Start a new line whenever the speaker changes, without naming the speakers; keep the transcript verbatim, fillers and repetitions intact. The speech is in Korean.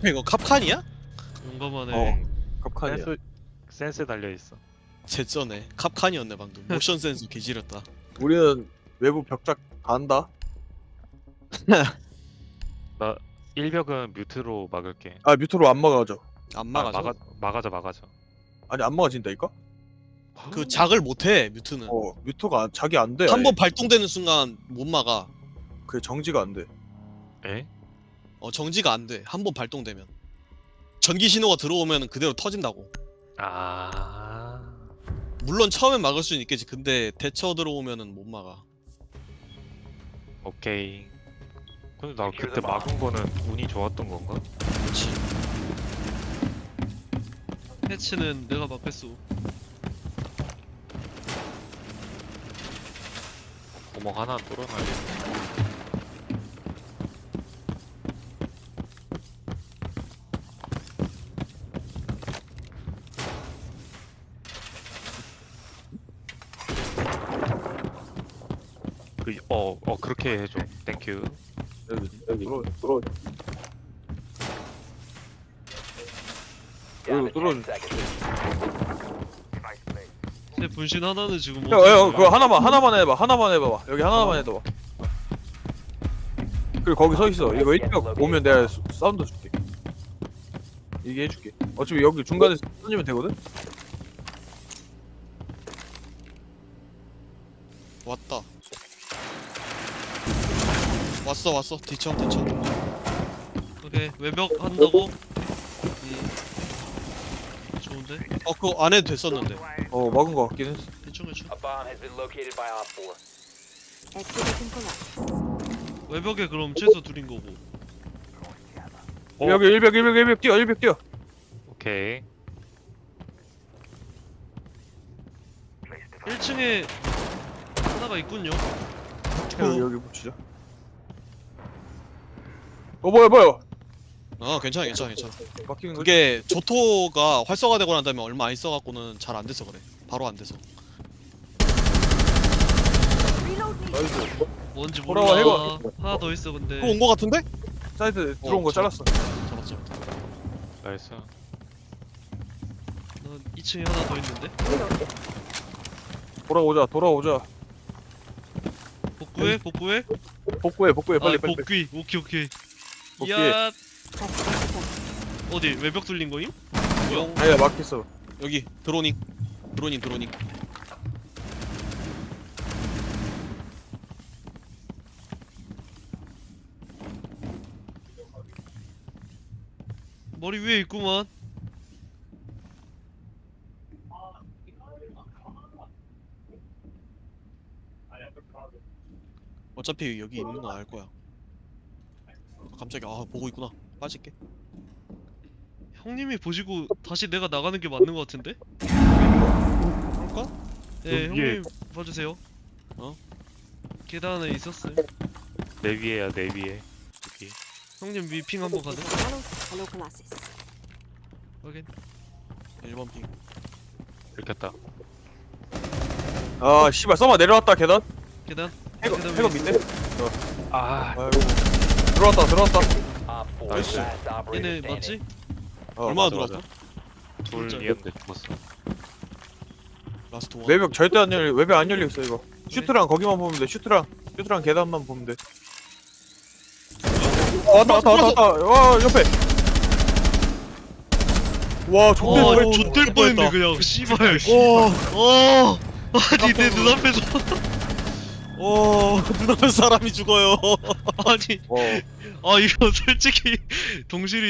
이거 캅칸이야?
용감하네.
어. 컵칸이야.
센스 센스 달려 있어.
제쩌네. 캅칸이었네 방금. 모션 센서 개지렸다.
우리는 외부 벽작 다 한다.
나 일벽은 뮤트로 막을게.
아 뮤트로 안 막아져.
안
아,
막아져.
막아 막아져 막아져.
아니 안 막아진다니까?
그 작을 못해 뮤트는.
어 뮤트가 안- 자기 안 돼.
한 번 발동되는 순간 못 막아.
그 정지가 안 돼.
에?
어 정지가 안 돼. 한 번 발동되면. 전기 신호가 들어오면 그대로 터진다고.
아.
물론 처음엔 막을 수는 있겠지. 근데 대처 들어오면은 못 막아.
오케이. 근데 나 그때 막은 거는 운이 좋았던 건가?
그렇지.
패치는 내가 막했어.
구멍 하나 뚫어놔야겠다. 그, 어, 어, 그렇게 해줘. 땡큐.
여기 여기 뚫어 뚫어. 여기 뚫어.
제 분신 하나는 지금 못.
형, 형 그거 하나만 하나만 해봐. 하나만 해봐. 여기 하나만 해봐. 그리고 거기 서 있어. 이거 일벽 오면 내가 수- 사운드 줄게. 이게 해줄게. 어차피 여기 중간에 던지면 되거든.
왔다. 왔어 왔어. 뒤쳐 뒤쳐.
오케이 외벽 한다고? 음. 좋은데?
어 그거 안 해도 됐었는데.
어 막은 거 같긴 했어.
대충 대충.
A bomb has been located by Op four.
Activating collapse.
외벽에 그럼 최소 둘인 거고.
어.
여기 일벽 일벽 일벽 뛰어 일벽 뛰어.
오케이.
일 층에 하나가 있군요.
여기 여기 붙이자. 어 뭐야 뭐야.
어 괜찮아 괜찮아 괜찮아.
막히는 거지.
그게 조토가 활성화되고 난 다음에 얼마 안 있어갖고는 잘 안 돼서 그래. 바로 안 돼서.
Reload me.
나이스.
뭔지
돌아와,
몰라.
해봐.
하나 더 있어 근데.
또 온 거 같은데?
사이드 들어온 거
어,
잘랐어.
잡았어.
나이스.
난 이 층에 하나 더 있는데.
돌아오자 돌아오자.
복구해 복구해.
복구해 복구해 빨리
아,
빨리.
복귀. 오케이 오케이.
복귀해.
야
Press button.
어디 외벽 뚫린 거임? 용.
아니야 막혔어.
여기 드로닝. 드로닝 드로닝.
머리 위에 있구만.
어차피 여기 있는 건 알 거야. 아, 깜짝이야. 아 보고 있구나. 빠질게.
형님이 보시고 다시 내가 나가는 게 맞는 거 같은데?
그럴까?
네
여기 위에.
형님 봐주세요.
어?
계단에 있었어요.
내 위에야, 내 위에. 여기.
형님 위핑 한번 가능?
Hello, hello Colossus.
확인.
일 번 핑.
들켰다.
아 씨발 써마 내려왔다 계단.
계단.
해거
계단
해거
위에
밑에.
아,
아이고. 들어왔다 들어왔다.
Op four
Nice.
last operator
얘네
standing.
맞지?
어,
얼마나
맞아,
들어왔어?
둘이었는데 죽었어.
라스트 원.
외벽 절대 안 열려. 외벽 안 열려 있어 이거. 슈트랑 거기만 보면 돼. 슈트랑 슈트랑 계단만 보면 돼. 어, 왔다 왔다 왔다 왔다. 와 옆에. 와 존대
와
뻔.
좆될 뻔했네 그냥 씨발.
오,
어 아니 내 눈앞에서
오, 눈앞에 사람이 죽어요.
아니
와.
아 이거 솔직히 동실이